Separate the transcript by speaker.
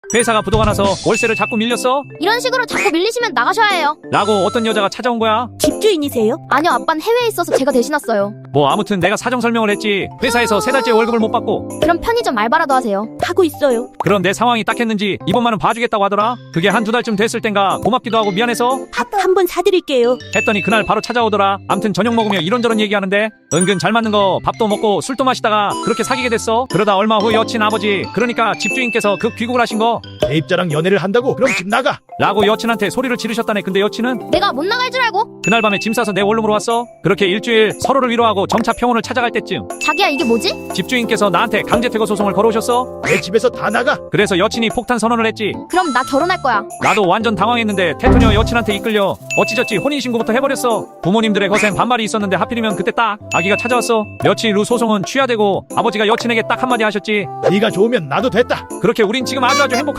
Speaker 1: 회사가 부도가 나서 월세를 자꾸 밀렸어?
Speaker 2: 이런 식으로 자꾸 밀리시면 나가셔야 해요.
Speaker 1: 라고 어떤 여자가 찾아온 거야?
Speaker 3: 집주인이세요?
Speaker 2: 아니요, 아빠는 해외에 있어서 제가 대신 왔어요.
Speaker 1: 뭐 아무튼 내가 사정 설명을 했지. 회사에서 3달째 월급을 못 받고.
Speaker 2: 그럼 편의점 알바라도 하세요.
Speaker 3: 하고 있어요.
Speaker 1: 그런 내 상황이 딱했는지 이번만은 봐주겠다고 하더라. 그게 한두 달쯤 됐을 땐가 고맙기도 하고 미안해서
Speaker 3: 밥 한 번 사드릴게요.
Speaker 1: 했더니 그날 바로 찾아오더라. 암튼 저녁 먹으며 이런저런 얘기하는데 은근 잘 맞는 거 밥도 먹고 술도 마시다가 그렇게 사귀게 됐어. 그러다 얼마 후 여친 아버지, 그러니까 집주인께서 급 귀국을 하신 거
Speaker 4: 내 입자랑 연애를 한다고? 그럼 집 나가.
Speaker 1: 라고 여친한테 소리를 지르셨다네. 근데 여친은
Speaker 2: 내가 못 나갈 줄 알고?
Speaker 1: 그날 밤에 짐 싸서 내 원룸으로 왔어. 그렇게 일주일 서로를 위로하고 점차 평온을 찾아갈 때쯤
Speaker 2: 자기야, 이게 뭐지?
Speaker 1: 집주인께서 나한테 강제퇴거 소송을 걸어오셨어.
Speaker 4: 내 집에서 다 나가.
Speaker 1: 그래서 여친이 폭탄 선언을 했지.
Speaker 2: 그럼 나 결혼할 거야.
Speaker 1: 나도 완전 당황했는데 태토녀 여친한테 이끌려 어찌저찌 혼인신고부터 해버렸어. 부모님들의 거센 반말이 있었는데 하필이면 그때 딱 아기가 찾아왔어. 며칠 후 소송은 취하되고 아버지가 여친에게 딱 한마디 하셨지.
Speaker 4: 네가 좋으면 나도 됐다.
Speaker 1: 그렇게 우린 지금 아주 행복한